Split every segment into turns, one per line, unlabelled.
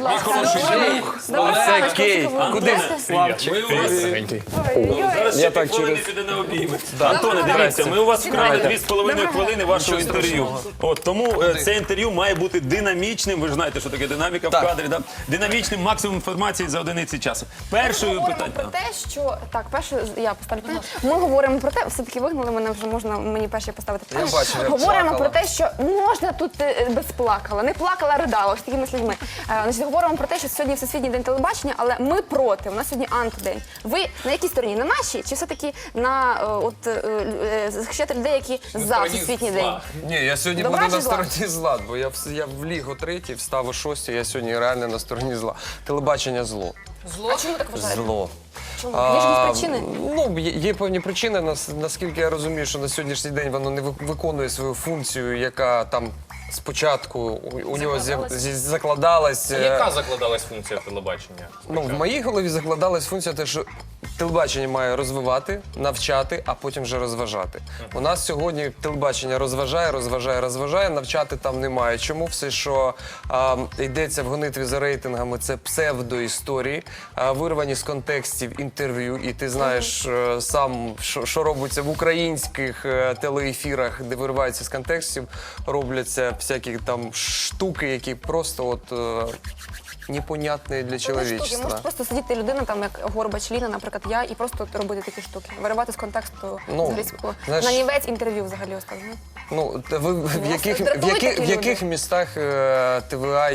ласка.
хороший
Це Кейт. Куди?
Зараз ще півхвилини піде на обійми. Антоне, дивіться, ми у вас вкрали 2,5 хвилини вашого інтерв'ю. Тому це інтерв'ю має бути динамічним. Ви ж знаєте, що таке динаміка в кадрі. Динамічним, максимум інформації за одиниці часу. Першою
Говоримо про те, що так, перше я поставлю питання. Ми говоримо про те, все-таки вигнали мене вже можна мені перше поставити питання.
Я бачив, як
Говоримо
плакала.
про те, що можна тут без плакала, не плакала, ридала, ось такими слідьми. Значить, говоримо про те, що сьогодні Всесвітній день телебачення, але ми проти. У нас сьогодні антидень. Ви на якій стороні? На нашій чи все-таки на захищати людей, які за Всесвітній день?
Ні, я сьогодні
Добра
буду
чи
на
зла?
стороні зла, бо я в ліг о 3, встав о 6, я сьогодні реально на стороні зла. Телебачення зло.
А чому так вважаєте?
Зло.
Чому? Є ж якісь причини?
Ну, є певні причини, наскільки я розумію, що на сьогоднішній день воно не виконує свою функцію, яка там спочатку у нього закладалась.
Яка закладалась функція телебачення?
Ну, в моїй голові закладалась функція те, що телебачення має розвивати, навчати, а потім вже розважати. У нас сьогодні телебачення розважає, навчати там немає. Чому? Все, що йдеться в гонитві за рейтингами, це псевдоісторії, вирвані з контекстів інтерв'ю, і ти знаєш сам, що робиться в українських телеефірах, де вириваються з контекстів, робляться всякі там штуки, які просто от непонятні для чоловічества.
Може просто сидіти людина, там як Горбач, Ліна, наприклад, я, і просто робити такі штуки. Виривати з контексту
знаєш,
нанівець інтерв'ю взагалі оставили.
Ну, ви в
дратують такі
яких
люди?
містах ТВА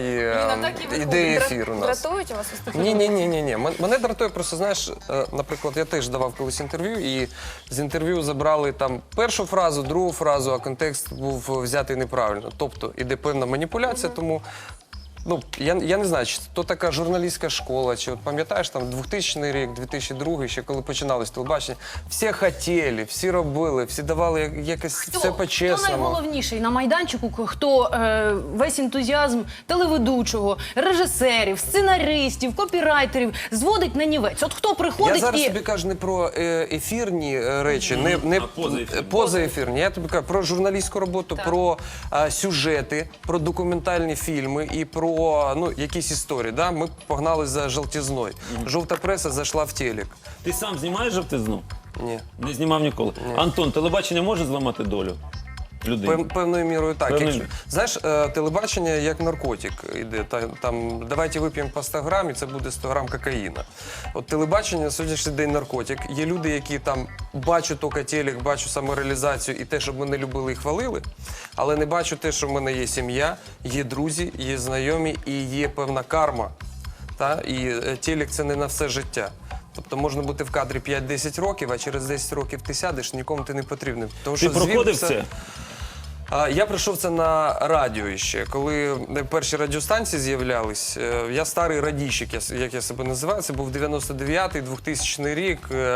ідеї ефіру у нас?
Дратують вас ось такі?
Ні. Мене дратує просто, знаєш, наприклад, я теж давав колись інтерв'ю, і з інтерв'ю забрали там першу фразу, другу фразу, а контекст був взятий неправильно. Тобто іде певна маніпуляція, тому ну, я не знаю, чи то така журналістська школа, чи от пам'ятаєш, там 2000 рік, 2002, ще коли починалось телебачення, всі хотіли, всі робили, всі давали якось все
Хто
по-чесному.
найголовніший на майданчику, хто весь ентузіазм телеведучого, режисерів, сценаристів, копірайтерів зводить на нівець? От хто приходить
Я зараз
і...
тобі кажу не про ефірні речі, не позаефірні. Я тобі кажу про журналістську роботу, про сюжети, про документальні фільми і про якісь історії. Да? Ми погнали за жовтізною. Жовта преса зайшла в телек.
Ти сам знімаєш жовтизну?
Ні.
Не знімав ніколи. Антон, телебачення може зламати долю людини?
Певною мірою так.
Певною.
Знаєш, телебачення як наркотик іде. Там, давайте вип'ємо по 100 грам, і це буде 100 грам кокаїна. От телебачення на сьогоднішній день наркотик. Є люди, які там бачу тільки телек, бачу самореалізацію і те, щоб мене любили і хвалили, але не бачу те, що в мене є сім'я, є друзі, є знайомі і є певна карма. І телек – це не на все життя. Тобто можна бути в кадрі 5-10 років, а через 10 років ти сядеш, нікому ти не потрібен.
Ти проходив це?
Я пройшов це на радіо ще. Коли перші радіостанції з'являлись, я старий радійщик, як я себе називаю, це був 99-й, 2000 рік,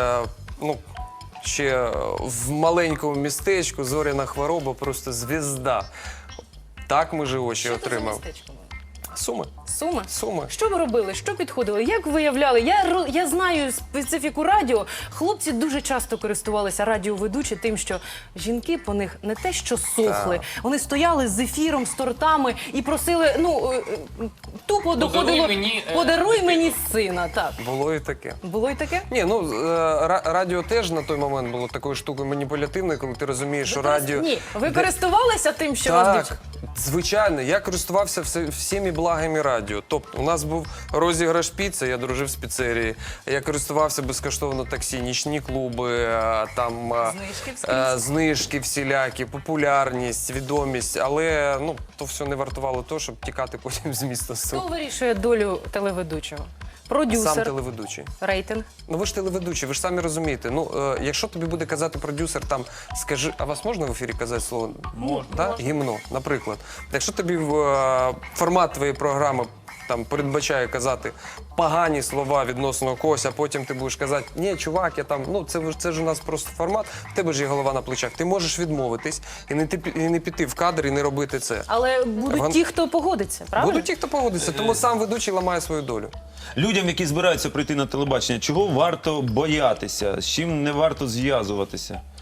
ще в маленькому містечку, зоряна хвороба, просто звізда. Так ми ж очі отримав. Суми.
Суми?
Суми.
Що ви робили? Що підходили? Як виявляли? Я знаю специфіку радіо. Хлопці дуже часто користувалися радіоведучі тим, що жінки по них не те що сохли. Вони стояли з ефіром, з тортами і просили, тупо доходило, подаруй мені сина. Так.
Було і таке.
Було і таке?
Ні, радіо теж на той момент було такою штукою маніпулятивною, коли ти розумієш, що радіо...
Ні, ви користувалися тим, що вас
Так, звичайно, я користувався всіми благами радіо. Тобто, у нас був розіграш піци, я дружив з піцерії, я користувався безкоштовно таксі, нічні клуби, там знижки всілякі, популярність, відомість, але то все не вартувало того, щоб тікати потім з міста.
Хто вирішує долю телеведучого? Продюсер,
Сам телеведучий.
рейтинг.
Ви ж телеведучі, ви ж самі розумієте. Якщо тобі буде казати продюсер, там, скажи, а вас можна в ефірі казати слово? Можна. Гімно, наприклад. Якщо тобі формат твоєї програми там передбачає казати погані слова відносно когось, а потім ти будеш казати, ні, чувак, я там, це ж у нас просто формат, в тебе ж є голова на плечах. Ти можеш відмовитись і не піти в кадр і не робити це.
Але будуть ті, хто погодиться, правильно?
Будуть ті, хто погодиться, тому сам ведучий ламає свою долю.
Людям, які збираються прийти на телебачення, чого варто боятися? З чим не варто зв'язуватися?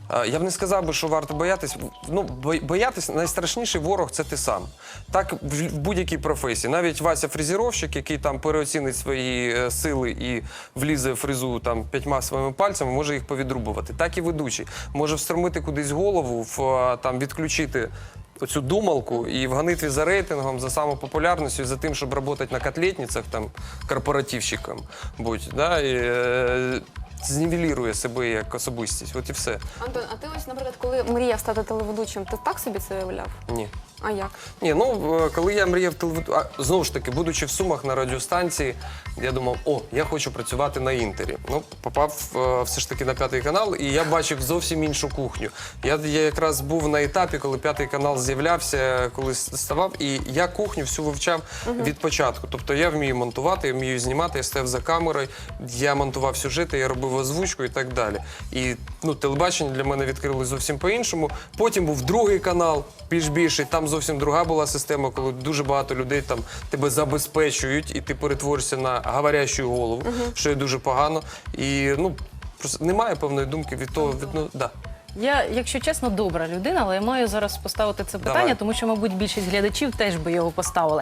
Я б не сказав би, що варто боятись. Ну, боятись найстрашніший ворог це ти сам. Так в будь-якій професії. Навіть Вася фрезеровщик, який там переоцінить свої сили і влізе в фрезу там 5 своїми пальцями, може їх повідрубувати. Так і ведучий. Може встромити кудись голову, там відключити оцю думалку і в гонитві за рейтингом, за самопопулярністю, за тим, щоб працювати на котлетницях, там, корпоративщиком, да, і знівелірує себе як особистість. От і все.
Антон, а ти ось, наприклад, коли мріяв стати телеведучим, ти так собі це уявляв?
Ні.
А як?
Ні, ну, коли я мріяв знову ж таки, будучи в Сумах на радіостанції, я думав, я хочу працювати на Інтері. Ну, попав все ж таки на 5-й канал, і я бачив зовсім іншу кухню. Я якраз був на етапі, коли 5-й канал з'являвся, коли ставав, і я кухню всю вивчав від початку. Тобто я вмію монтувати, я вмію знімати, я стояв за камерою, я монтував сюжети, я робив озвучку і так далі. І телебачення для мене відкрили зовсім по-іншому. Потім був 2-й канал, більший, там зовсім друга була система, коли дуже багато людей там тебе забезпечують, і ти перетворишся на говорящу голову, що є дуже погано. І просто немає певної думки від того, да.
Я, якщо чесно, добра людина, але я маю зараз поставити це питання,
Давай.
тому що, мабуть, більшість глядачів теж би його поставили.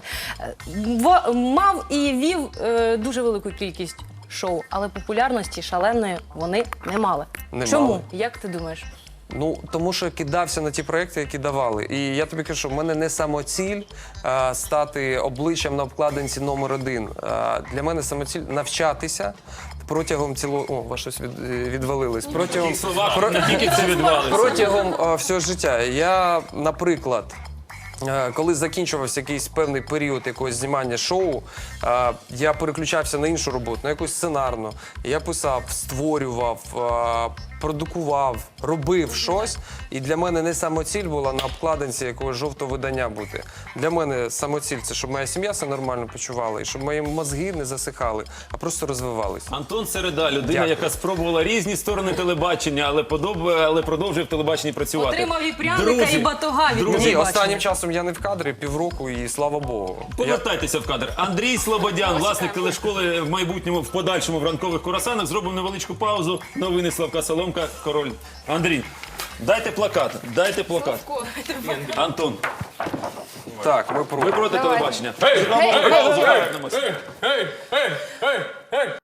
Мав і вів дуже велику кількість шоу, але популярності шаленої вони не мали.
Не
Чому?
мали.
Як ти думаєш?
Ну, тому що кидався на ті проекти, які давали. І я тобі кажу, що в мене не самоціль стати обличчям на обкладинці номер 1. Для мене самоціль навчатися протягом цілого... О, щось відвалилось. Протягом...
Не тільки це відвалиться.
Протягом всього життя. Я, наприклад, коли закінчувався якийсь певний період якогось знімання шоу, я переключався на іншу роботу, на якусь сценарну. Я писав, створював, продукував, робив щось. І для мене не самоціль була на обкладинці якогось жовтого видання бути. Для мене самоціль – це щоб моя сім'я себе нормально почувала і щоб мої мозги не засихали, а просто розвивалися.
Антон Середа, людина,
Дякую.
яка спробувала різні сторони телебачення, але продовжує в телебаченні працювати.
Отримав і пряника, і батога від
Ні,
телебачення.
останнім часом я не в кадрі, півроку, і слава Богу.
Повертайтеся в кадр. Андрій Слободян, власник телешколи в майбутньому, в подальшому в ранкових курасанах. Зробимо невеличку паузу. Новини Славка Соломка, Король. Андрій, дайте плакат. Дайте плакат. Антон,
Так, ми
ви проти
Давай.
телебачення. Зробимо паузу, повернемось.